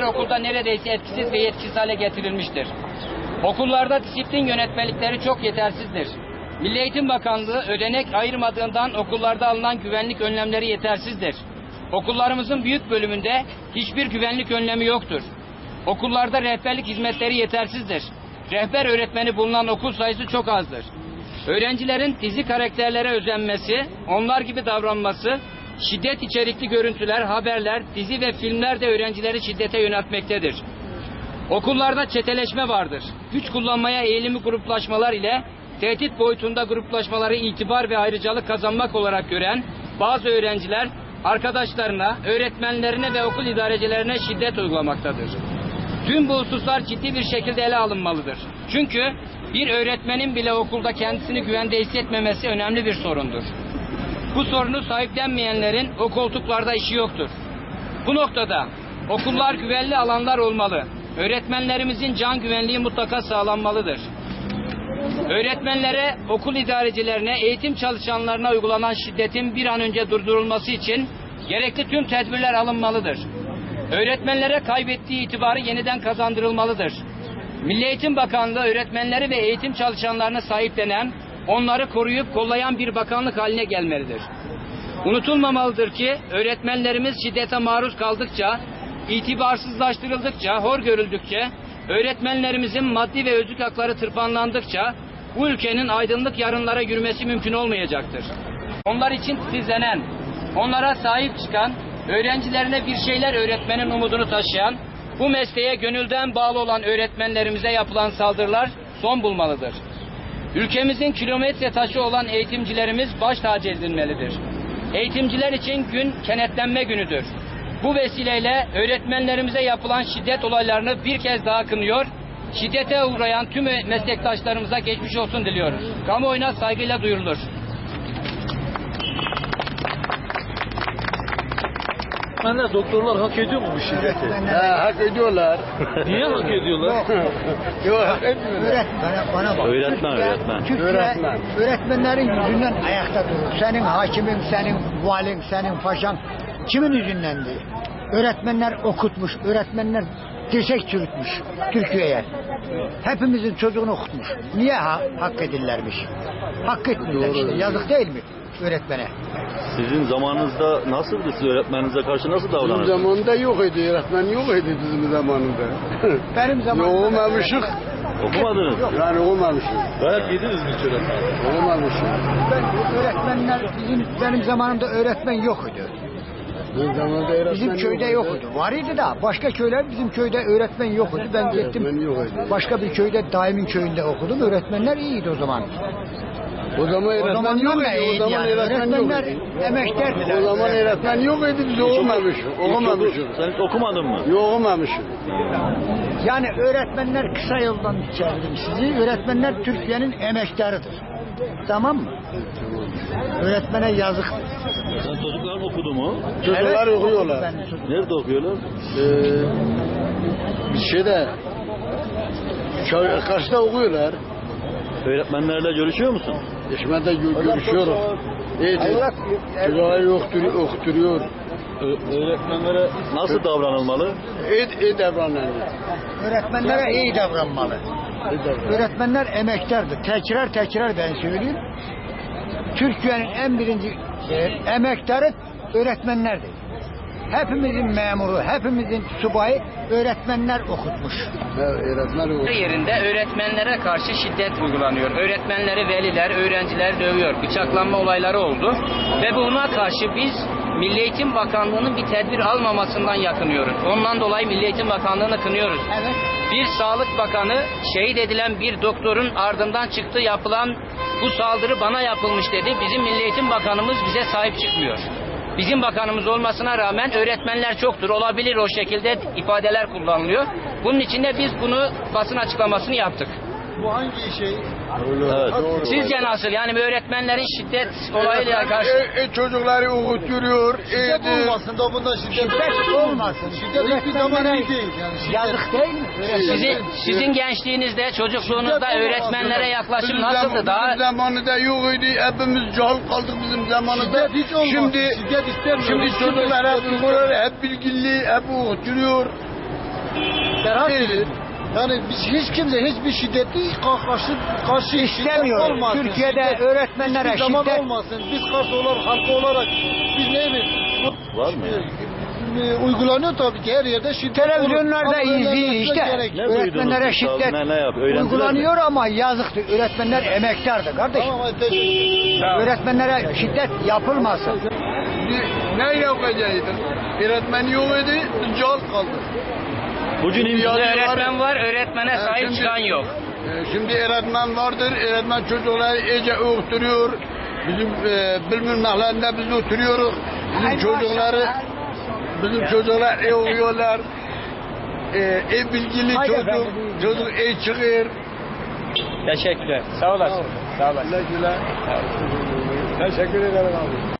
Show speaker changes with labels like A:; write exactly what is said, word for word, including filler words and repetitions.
A: okulda neredeyse etkisiz ve yetkisiz hale getirilmiştir. Okullarda disiplin yönetmelikleri çok yetersizdir. Milli Eğitim Bakanlığı ödenek ayırmadığından okullarda alınan güvenlik önlemleri yetersizdir. Okullarımızın büyük bölümünde hiçbir güvenlik önlemi yoktur. Okullarda rehberlik hizmetleri yetersizdir. Rehber öğretmeni bulunan okul sayısı çok azdır. Öğrencilerin dizi karakterlere özenmesi, onlar gibi davranması, şiddet içerikli görüntüler, haberler, dizi ve filmler de öğrencileri şiddete yöneltmektedir. Okullarda çeteleşme vardır. Güç kullanmaya eğilimi gruplaşmalar ile tehdit boyutunda gruplaşmaları itibar ve ayrıcalık kazanmak olarak gören bazı öğrenciler arkadaşlarına, öğretmenlerine ve okul idarecilerine şiddet uygulamaktadır. Tüm bu hususlar ciddi bir şekilde ele alınmalıdır. Çünkü bir öğretmenin bile okulda kendisini güvende hissetmemesi önemli bir sorundur. Bu sorunu sahiplenmeyenlerin o koltuklarda işi yoktur. Bu noktada okullar güvenli alanlar olmalı. Öğretmenlerimizin can güvenliği mutlaka sağlanmalıdır. Öğretmenlere, okul idarecilerine, eğitim çalışanlarına uygulanan şiddetin bir an önce durdurulması için gerekli tüm tedbirler alınmalıdır. Öğretmenlere kaybettiği itibarı yeniden kazandırılmalıdır. Milli Eğitim Bakanlığı öğretmenleri ve eğitim çalışanlarını sahiplenen, onları koruyup kollayan bir bakanlık haline gelmelidir. Unutulmamalıdır ki öğretmenlerimiz şiddete maruz kaldıkça, itibarsızlaştırıldıkça, hor görüldükçe, öğretmenlerimizin maddi ve özlük hakları tırpanlandıkça bu ülkenin aydınlık yarınlara yürümesi mümkün olmayacaktır. Onlar için titizlenen, onlara sahip çıkan, öğrencilerine bir şeyler öğretmenin umudunu taşıyan, bu mesleğe gönülden bağlı olan öğretmenlerimize yapılan saldırılar son bulmalıdır. Ülkemizin kilometre taşı olan eğitimcilerimiz baş tacı edilmelidir. Eğitimciler için gün kenetlenme günüdür. Bu vesileyle öğretmenlerimize yapılan şiddet olaylarını bir kez daha kınıyor, şiddete uğrayan tüm meslektaşlarımıza geçmiş olsun diliyoruz. Kamuoyuna saygıyla duyurulur.
B: Öğretmenler, doktorlar hak ediyor mu bu şiddeti?
C: He, hak ediyorlar.
B: Niye hak ediyorlar?
C: Yok, hak etmiyorlar.
D: Öğretmen, bana bak.
B: Öğretmen, öğretmen.
D: Türkiye,
C: Öğretmen.
D: öğretmenlerin yüzünden ayakta durur. Senin hakimin, senin valin, senin paşan kimin yüzündendi? Öğretmenler okutmuş, öğretmenler dirsek çürütmüş Türkiye'ye. Hepimizin çocuğunu okutmuş. Niye ha hak edillermiş? Hak etmiyorlar işte. Yazık değil mi öğretmene?
B: Sizin zamanınızda nasıldı? Siz öğretmeninize karşı nasıl
C: Bizim
B: davranırdınız?
C: zamanında yok idi, öğretmen yok idi bizim zamanında.
D: Benim zamanımda...
C: Yok olmamışık.
B: Okumadınız.
C: Yani olmamışık.
B: Dayak yediniz mi hiç öğretmen?
C: Olmamışık.
D: Ben, öğretmenler, bizim, benim zamanımda öğretmen yok idi.
C: Bizim zamanında öğretmen
D: Bizim köyde yok idi. Var idi da başka köyler bizim köyde öğretmen yok idi. Ben gittim
C: Öğretmen yok idi.
D: başka bir köyde daimin köyünde okudum. Öğretmenler iyiydi o zaman.
C: O zaman
D: O
C: öğretmen
D: zamanlar
C: yok
D: da
C: idi. O
D: iyiydi
C: zaman
D: yani.
C: öğretmen yok
D: Öğretmenler
C: idi.
D: emeklerdiler.
C: O zaman öğretmen yok idi, biz okumamışız. Okumamışız.
B: Sen hiç okumadın mı?
C: Yok okumamışız.
D: Yani öğretmenler, kısa yoldan çevirdim sizi. Öğretmenler Türkiye'nin emektarıdır. Tamam mı? Öğretmene yazık.
B: Sen çocukların okudu mu?
C: Çocuklar
D: Evet,
C: okuyorlar.
D: ben çocuk-
B: Nerede okuyorlar?
C: Ee, bir şeyde karşıda okuyorlar.
B: Öğretmenlerle görüşüyor musun?
C: Eşmede gö- görüşüyoruz. Evet, çocuklar yoktur, okuturuyor.
B: Ö- öğretmenlere nasıl davranılmalı?
C: Evet, evet davranıyor.
D: Öğretmenlere iyi davranmalı.
C: Evet davranıyor.
D: Öğretmenler emektardır. Tekrar tekrar ben söyleyeyim. Türkiye'nin en birinci e, emektarı öğretmenlerdir. Hepimizin memuru, hepimizin subayı öğretmenler okutmuş.
C: Evet, öğretmen okuyor.
A: Yerinde öğretmenlere karşı şiddet uygulanıyor. Öğretmenleri veliler, öğrenciler dövüyor. Bıçaklanma olayları oldu. Ve buna karşı biz Milli Eğitim Bakanlığı'nın bir tedbir almamasından yakınıyoruz. Ondan dolayı Milli Eğitim Bakanlığı'nı kınıyoruz.
D: Evet.
A: Bir Sağlık Bakanı şehit edilen bir doktorun ardından çıktı yapılan bu saldırı bana yapılmış dedi. Bizim Milli Eğitim Bakanımız bize sahip çıkmıyor. Bizim bakanımız olmasına rağmen öğretmenler çoktur. Olabilir o şekilde ifadeler kullanılıyor. Bunun için de biz bunu basın açıklamasını yaptık.
C: Bu hangi şey?
B: Evet.
A: Sizce nasıl? Yani öğretmenlerin şiddet olayıyla karşı...
C: E, e, çocukları okuturuyor.
D: Şiddet olmasın da bunda şiddet, şiddet olmasın. Şiddet hiçbir zaman iyi değil. Yani şiddet... Yazık değil mi?
A: Sizin, sizin gençliğinizde, çocukluğunuzda öğretmenlere yaklaşım nasıldı? Daha
C: Bizim zamanında yok idi. Hepimiz cahil kaldık bizim zamanında.
D: Şiddet hiç olmasın.
C: Şimdi,
D: şiddet istemiyoruz.
C: şimdi çocuklar hep okuyor, hep bilgili, hep okuturuyor.
D: Nasıl?
C: değil. Yani biz hiç kimse hiçbir şiddeti karşı karşı
D: İstemiyor.
C: şiddet olmasın.
D: Türkiye'de
C: Şiddet
D: öğretmenlere
C: hiçbir zaman
D: şiddet-
C: olmasın. Biz karşı olarak, halk olarak biz neyimiz?
B: Var mı?
C: E, Uygulanıyor tabii ki her yerde şiddet olur.
D: Televizyonlarda
C: Ama
D: izleyin
C: önlenmesi
D: işte.
C: gerek.
B: Ne
D: Öğretmenlere
B: duydunuz siz abi?
D: şiddet
B: Ne- ne yap- öğrenciler mi?
D: uygulanıyor ama yazıktır. Öğretmenler emektardı kardeşim.
C: Tamam, hadi teşekkür ederim.
D: Öğretmenlere şiddet yapılmasın.
C: Ne yapacaktın? Öğretmen yok idi, biz cahil kaldık.
B: Bugün
C: Şimdi
B: imkan
C: yani-
A: Öğretmen var, öğretmene
C: Ha,
A: sahip
C: şimdi-
A: çıkan yok.
C: Ee, Şimdi öğretmen vardır, öğretmen çocukları iyice öğütürüyor. Bizim e, bilmem mahallemde biz oturuyoruz. Bizim çocukları, bizim çocuklar iyi oluyorlar. E, ev bilgili
D: Haydi
C: çocuk,
D: efendim.
C: çocuk iyi çıkıyor.
A: Teşekkürler. Sağ olasın. Sağ olasın.
C: Güle güle. Teşekkür ederim abi.